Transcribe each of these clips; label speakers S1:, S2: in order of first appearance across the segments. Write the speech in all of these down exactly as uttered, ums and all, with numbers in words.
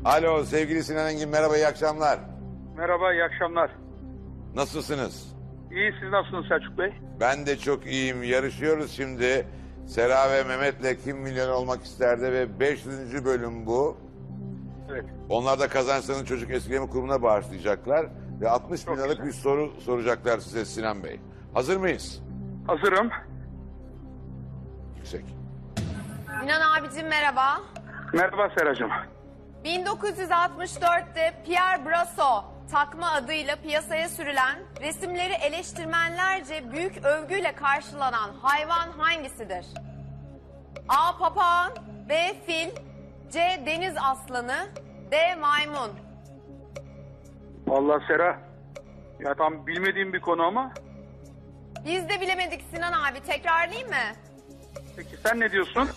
S1: Alo sevgili Sinan Engin, merhaba, iyi akşamlar.
S2: Merhaba, iyi akşamlar.
S1: Nasılsınız?
S2: İyi, siz nasılsınız Selçuk Bey?
S1: Ben de çok iyiyim. Yarışıyoruz şimdi. Sera ve Mehmet'le Kim Milyon Olmak isterdi ve beş yüzüncü bölüm bu.
S2: Evet.
S1: Onlar da kazançlarını Çocuk Esirgeme Kurumu'na bağışlayacaklar. Ve altmış bin
S2: Çok
S1: liralık
S2: güzel.
S1: bir soru soracaklar size Sinan Bey. Hazır mıyız?
S2: Hazırım.
S1: Yüksek.
S3: Sinan abicim merhaba.
S2: Merhaba Seracığım.
S3: bin dokuz yüz altmış dörtte Pierre Brasso takma adıyla piyasaya sürülen, resimleri eleştirmenlerce büyük övgüyle karşılanan hayvan hangisidir? A. Papağan, B. Fil, C. Deniz aslanı, D. Maymun.
S2: Vallahi Sera. Ya tam bilmediğim bir konu ama.
S3: Biz de bilemedik Sinan abi, tekrarlayayım mı?
S2: Peki sen ne diyorsun?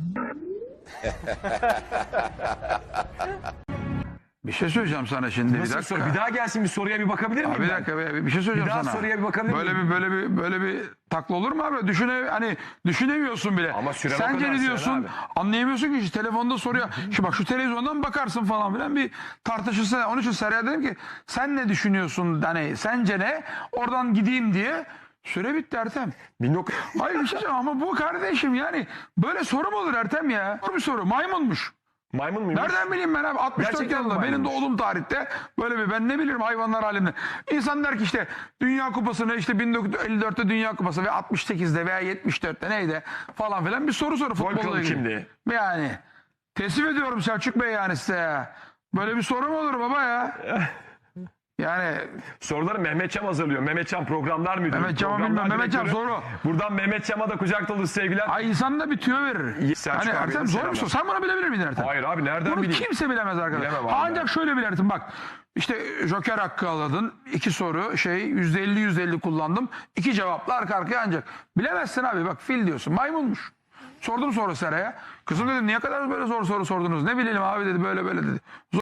S4: Bir şey söyleyeceğim sana şimdi.
S5: Nasıl
S4: bir
S5: bir soru?
S4: dakika.
S5: Bir daha gelsin, bir soruya bir bakabilir miyim
S4: Abi bir
S5: ben?
S4: dakika bir, bir şey söyleyeceğim
S5: Bir daha
S4: sana.
S5: soruya bir bakabilir
S4: böyle
S5: miyim?
S4: bir böyle bir böyle bir takla olur mu abi? Düşüne hani düşünemiyorsun bile.
S5: Ama süren o
S4: Sence
S5: kadar
S4: ne
S5: Sinan
S4: diyorsun?
S5: abi.
S4: Anlayamıyorsun ki işte telefonda soruyor. Şu bak şu televizyondan bakarsın falan filan bir tartışırsa. Onun için Seraya dedim ki sen ne düşünüyorsun? Hani sence ne? Oradan gideyim diye. Süre bitti Ertem.
S5: bin dokuz
S4: Hayır bir şey söyleyeyim ama bu kardeşim yani böyle soru mu olur Ertem ya? Soru bir soru. Maymunmuş.
S5: Maymun muymuş?
S4: Nereden bileyim ben abi? altmış dört
S5: Gerçekten
S4: yılında benim
S5: maymunmuş.
S4: doğduğum tarihte böyle bir ben ne bilirim hayvanlar aleminde. İnsan der ki işte Dünya Kupası'nı işte bin dokuz yüz elli dörtte Dünya Kupası ve altmış sekizde veya yetmiş dörtte neydi falan filan bir soru soru futbolla
S5: kralı
S4: ilgili.
S5: kimdi?
S4: Yani teslim ediyorum Selçuk Bey yani size ya. Böyle bir soru mu olur baba ya? Yani
S5: Soruları Mehmet Çam hazırlıyor. Mehmet Çam programlar müdürü.
S4: Mehmet Çam'ı
S5: Programlar
S4: bilmem. Mehmet Çam
S5: direktörü.
S4: soru.
S5: Buradan Mehmet Çam'a da kucak dolusu sevgiler.
S4: ay insan da bir tüyo verir.
S5: Selçuk
S4: Hani
S5: abiye
S4: Ertem
S5: de
S4: zor bir
S5: selamlar.
S4: soru. Sen bunu bilebilir miydin Ertem?
S5: Hayır abi, nereden
S4: Bunu
S5: bileyim?
S4: kimse bilemez arkadaşlar.
S5: Bilemem abi
S4: Ancak
S5: ben.
S4: şöyle bilirsin bak. İşte joker hakkı aladın. İki soru şey yüzde elli yüzde elli kullandım. İki cevapla arka arkaya ancak. Bilemezsin abi bak fil diyorsun. Maymunmuş. Sordum sonra Sera'ya. Kızım dedim niye kadar böyle zor soru sordunuz? Ne bilelim abi dedi böyle böyle dedi. Zor